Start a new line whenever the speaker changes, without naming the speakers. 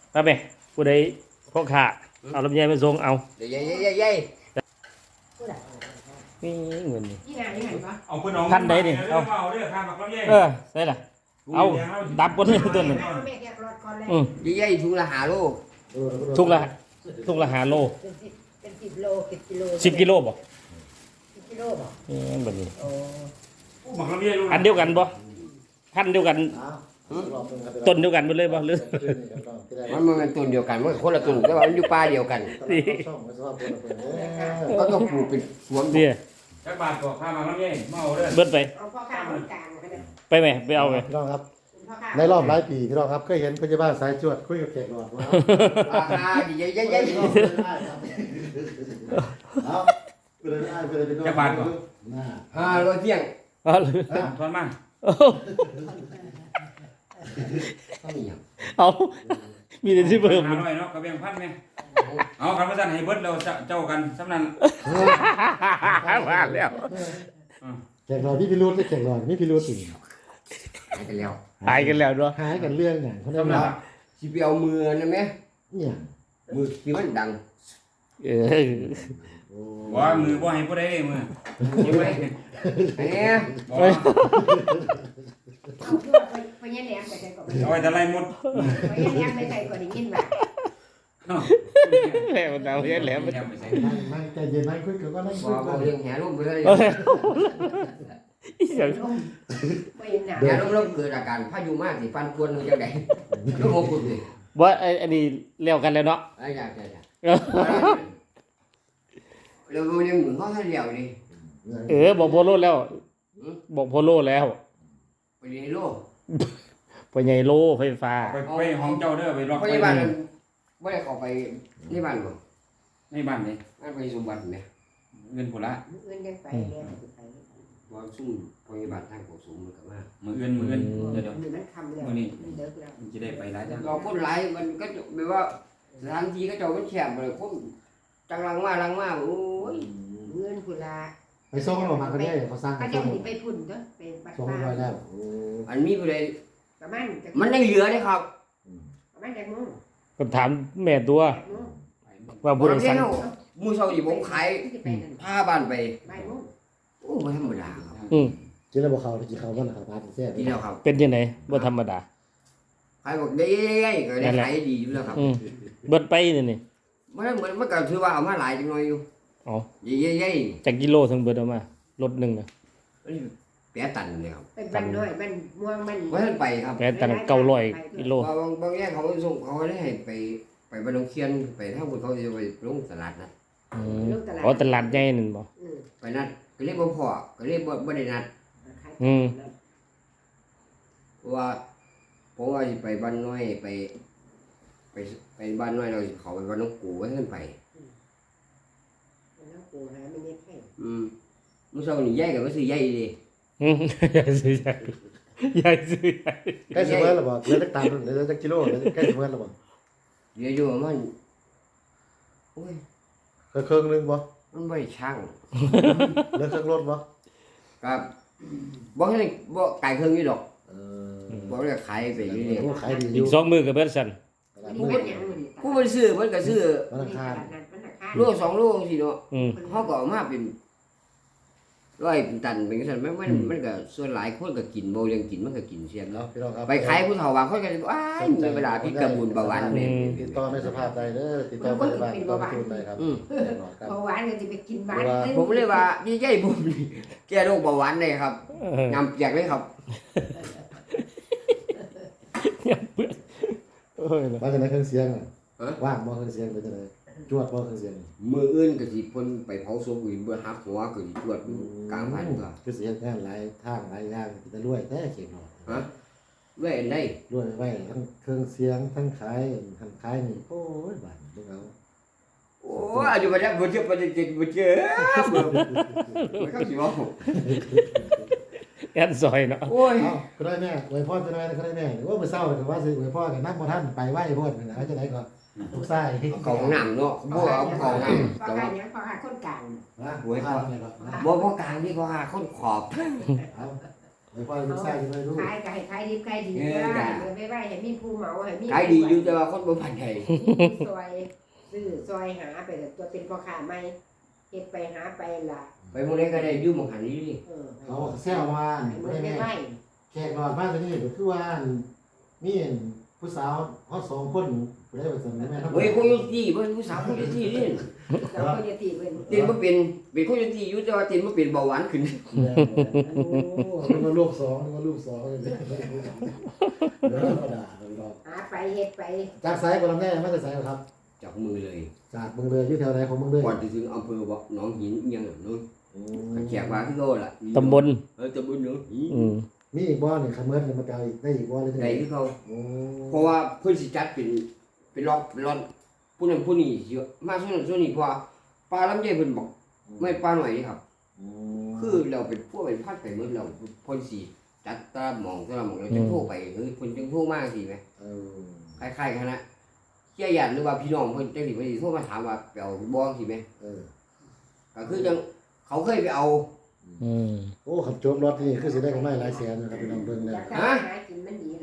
ไปผู้ใดพ่อขาเอาลำไยมาส่งเอา
เดี๋ยวยัย
นี่เงินนี่
ที่ไหนที่ไหนวะ
เอาเพิ่นเอา
พันใดนี่เอา
เอาเด้อข้ามบักลำไย
ใช่ล่ะเอาดับก้นเลยตัวนึง
เอาแม่แกะรถก่อนเลย
ยัยถุงละ5 โล
ทุกละหาโล
เป็น10 โล10 กิโล
10 กิโลบ่
10 กิโลบ่
แบบนี้
โอ้
บักลำไยลูก
อันเดียวกันบ่พันเดียวกันต้นเดียวกันหมดเลยบ่หรือ
มันเป็นต้นเดียวกันมันคนละต้นแต่ว่ามันอยู่ป่าเดียวกันก็ต้องปลูกเป็นสวน
เนี่ย
จักบาทก็ข้ามบักลำไยมาเอาเด้อ
เบิดไป
เอาพ่อข้าวคนกลางมาเนี่ย
ไปไหมไปเอาไหม
พี่น้องครับ
พ่อข้าว
ในรอบหลายปีพี่น้องครับเคยเห็นพยาบาลสายจวดคุยกับแขกหลอดว่า
ราคายัย
เอาไปเลยไปเลยไปดู
จักบาทก็
500เที่ยง
เอาเลย
ทอนมา
เอามีแต่ที่เพิ่ม
หาหน่อยเนาะกระเบียงพันแม่เอาคันว่าซั่นให้เบิดแล้วเจ้ากันสำนั้น
มาแล้ว
แขกหลอดพี่พิรุธแขกหลอดพี่พิรุธสิ
หายไปแล้ว
หายกันแล้วด้วย
หายกันเรื่องอย่างคนนั้น
สำนั้น
ละ
สิไปเอามือนั่นมั้ย
เนี่ย
มือที่มันดัง
ว่ามือบ่ให้ผู้ใดมือยิ้มไว้
เนี่ย
บ่
เอาเพื่อไปยันแหลมไปใส่ก่อน
เอาไว้แต่ไรหมด
ไปยันแหลมไปใส่ก่อนได้ยินว่า
แหลมดาวแหลม
ไปใส่
นั่งใจเย็นนั่งคุยกันก็นั่งคุย
บ่
กัน
เรื่องแห่ลมไปเลย
อีหยัง
ไปยันหนา
แห่ลมเกิดอาการพายุมากสิฟันกวนจังได๋ลูกของคุณนี่
ว่าอันนี้เลี้ยวกันแล้วเนาะ
ไอ้อยากแล้วยังมือเขาให้เลี้ยวนี่
บอกโพโลแล้ว บอกโพโลแล้ว
ไปในโลก
ไปใหญ่โลไฟฟ้า
ไปห้องเจ้าเด้อไปล็อก
เพราะ
ไว้
ในบ้านไม่ได้เข้าไปในบ้านบ่
ในบ้านนี่
บ้านไปสมบัติเนี่ย
เงินพุ่นละ
เงินยังไปเนี่ยไป
ว่าซุ่มพยาบาลทางของสูงมันก็มา
มื้ออื่นเดี๋ยว
มันคำแล้วมันเลิกแล้ว
มันจะได้ไปหลายจัง
เราคนหลายมันก็แบบว่าสถานที่ก็เจ้ามันแคบเลยคนจังลังมาโอ้ย
เงินกุลา
ไปส่งกันออกมาก็ได้เขาสร้าง
ก็
กัน
จะ
ส่ง
หนีไปพุ่นเด้อไปปัด
ส่ง
ป้า
ร้อยแล้ว
อันนี้ก็เลย
ประมาณ
มันยังเหลือเลยครับ
ประมาณจากโมง
ก็ถามแม่ตัว
8 โมง
ว่าผู้ใดสั่ง
มือเช้าที่ผมขาย
ที่ไปนั่น
ผ้าบ้านไป
บ่ายโมง
โอ้ไม่ธรรมดาครับ
กินแล้วบอกเขากินเขาบ้านเขาบ้านแซ่บ
ดีแล้วครับ
เป็นยังไงบ่ธรรมดา
ขายบอกได้ก็ได้ขายดีอยู่แล้วครับ
เบิดไปนี่
มันเหมือนมันก็ถือว่าเอามาหลายจังหน่อยอยู่
อ๋อ
เย้
จากกิโลถึงเบิดออกมารถหนึ่งนะ
แปะตันเลยครับ
เป็นบ้านน้อยบ้านม่วงบ้าน
ว่าท่านไปครับ
แปดตัน900กิโล
บางแยกเขาส่งเขาได้ให้ไปบ้านน้องเคียนไปถ้าคนเขาจะไปลงตลาดนะ
อ๋อตลาดใหญ่นั่นบ่
ไปนัดก็เรียกบ่พอก็เรียกบ่ได้นัดเพราะว่าผมว่าสิไปบ้านน้อยไปบ้านน้อยเราสิเขาไปบ้านน้องกูว่าท่านไป
แล้วกูหาไม่เน็ตให้
มื้อเช้านี่ใหญ่ก็บ่ซื้อใหญ่ดิ
ใหญ่ซื้อใหญ่ใหญ่ซื้อใหญ่
ใกล้เสมอแล้วบอกเหลือสักตันเหลือสักกิโลใกล้เสมอแล้วบอก
เดี๋ยวอยู่มันโอ้ย
เครื่องนึงบ่
มันบ่ได้ช่าง
เหลือเครื่องรถบ่
ครับบ่ให้บ่ไก่เครื่องอยู่ดอก
เอ
บ่ได้ขายไปเรื่อย
อขายดีอ
อี
ยู่
ก2มื้อก็เบิดซั่น
ผู้เป็นอย่างนี้
ๆผู้มันซื้อมันก็ซื้อ
วันอังคาร
โล2โลจังซี่เนาะ เฮาก็เอามาเป็นร้อยเป็นตันเป็นจังซั่นมันก็ส่วนหลายคนก็กินบ่เรื่องกินมันก็กินเสียง
เนาะ
เนาะ
พี่น้องครับ
ไปขายผู้เฒ่าบางคนก็อ้ายมีเวลาพิษกระบุญเบาหวานนี่
ติดต่อในสภาพใดเด้อติดต่อไปบ้านต่อทุนได้ครับ
เบาหวานก็จะไปกินหวาน
ผมเลยว่าดีใจผมนี่แก้โรคเบาหวานได้ครับนำเปียกเลยครับ
ว่าจะไหนเครื่องเสียงว่างบ่เครื่องเสียงเป็นจังได๋จวดบ่เครื่องเสียง
มื้ออื่นก็สิเพิ่นไปเผาศพอื่นเบิ่หักหัวก็สิตรวจอยู่กลางพันก็
คือสิเฮ็ดงานหลายทางหลายอย่างสิจะรวยแท้เข็มเนาะ
ฮะเว้ยอันใด
รวยไว้ทั้งเครื่องเสียงทั้งขายทั้งขายนี่โอ้ยบาดพวกเรา
โอ้อายุบ่ได้บ่เจอบ่เจอบ่เจอบ่เข้าสิเว้า
แอนซอยเนาะ
โอ้ย
เอ้าก็ได้แม่อวยพรจะได้ก็ได้แม่ว่ามื้อเช้าก็ว่าสิอวยพรกันนักบ่ทันไปไหว้โพดนะจะได้ก็ลูกชาย
ของน้ำเนาะบ่เอาของน้ำ
พอการยังพอหาคนกลาง
นะอวยพรเลยครับ
บ่กลางนี่ก็หาคนขอบ
เอาไว้พ่อลูกชายจะได้รู้
ขายก็ให้ขายดิบขายดีว่าเดี๋ยวไปไว้ให้มีผู้เหมาให้มี
ขายดีอยู่แต่ว่าคนบ่พันใด
ซอยซื้อซอยหาไปแต่ตัวเป็นพ่อค้าใหม่เฮ็ดไปหาไปล่ะ
ไปหมื้อใดก็ได้อยู่หม่องหันนี่
เขาแซวว่า
มัน
แม่
ไม่ไหว
แขกรอดมาตัวนี้ก็คือว่ามีผู้สาวฮอด2คนผู้ใดว่าซั่นแม่น
เฮ้ยคนอยู่ที่เพิ่นผู้สาวคนอยู่ที่นี่
เราก็จะตีเพิ่น
ตีนบ่เป็นคนอยู่ที่อยู่แต่ว่าตีนบ่เป็นเบาหวานขึ้น
โอ้นึกว่าลูก2นึกว่าลูก2เลยธรรมดาเลยดอก
หาไปเฮ็ดไป
จากไสบ่ลำแน่มาจากไสครับ
จับมือเลย
จากเมืองเลยอยู่แถวไหนของเมืองเลย
ก่อนจะถึงอำเภอบ่หนองหินอีหยังนู้นแขกว่าคือโลล่ะ
ตำบล
ตำบลหนองหิน
อืม
มีอีกบ่นี่คันเมิดนี่มันจะเอาอีกได้อีกบ่เลยจัง
ไหน
ได๋
คือเขา
โอ้
เพราะว่าเพิ่นสิจัดเป็นล็อกเป็นล็อตผู้นั้นผู้นี้สิมาส่วนนั้นส่วนนี้เพราะว่าปลาลำไยเพิ่นบอกไม่ปลาหน่อยนี่ครับ คือเราเป็นพวกเป็นพัดไปหมดเราเพิ่นสิจัดตามหม่องแต่ละหม่องเราจะโทรไปเฮ้ยเพิ่นจังโทรมาสิแหม
เออ
คล้ายๆกันนะเชี่ยหยันหรือว่าพี่น้องเพิ่นจังสิเพิ่นสิโทรมาถามว่าไปเอาบ่สิแหม
เออ
ก็คือจังเขาเคยไปเอา
อืม
โอ้ขับโจมรถนี่คือสิได้กำไรหลายแสนนะครับพี่น้องเบิ่งแล้ว
จากการหากินมันดี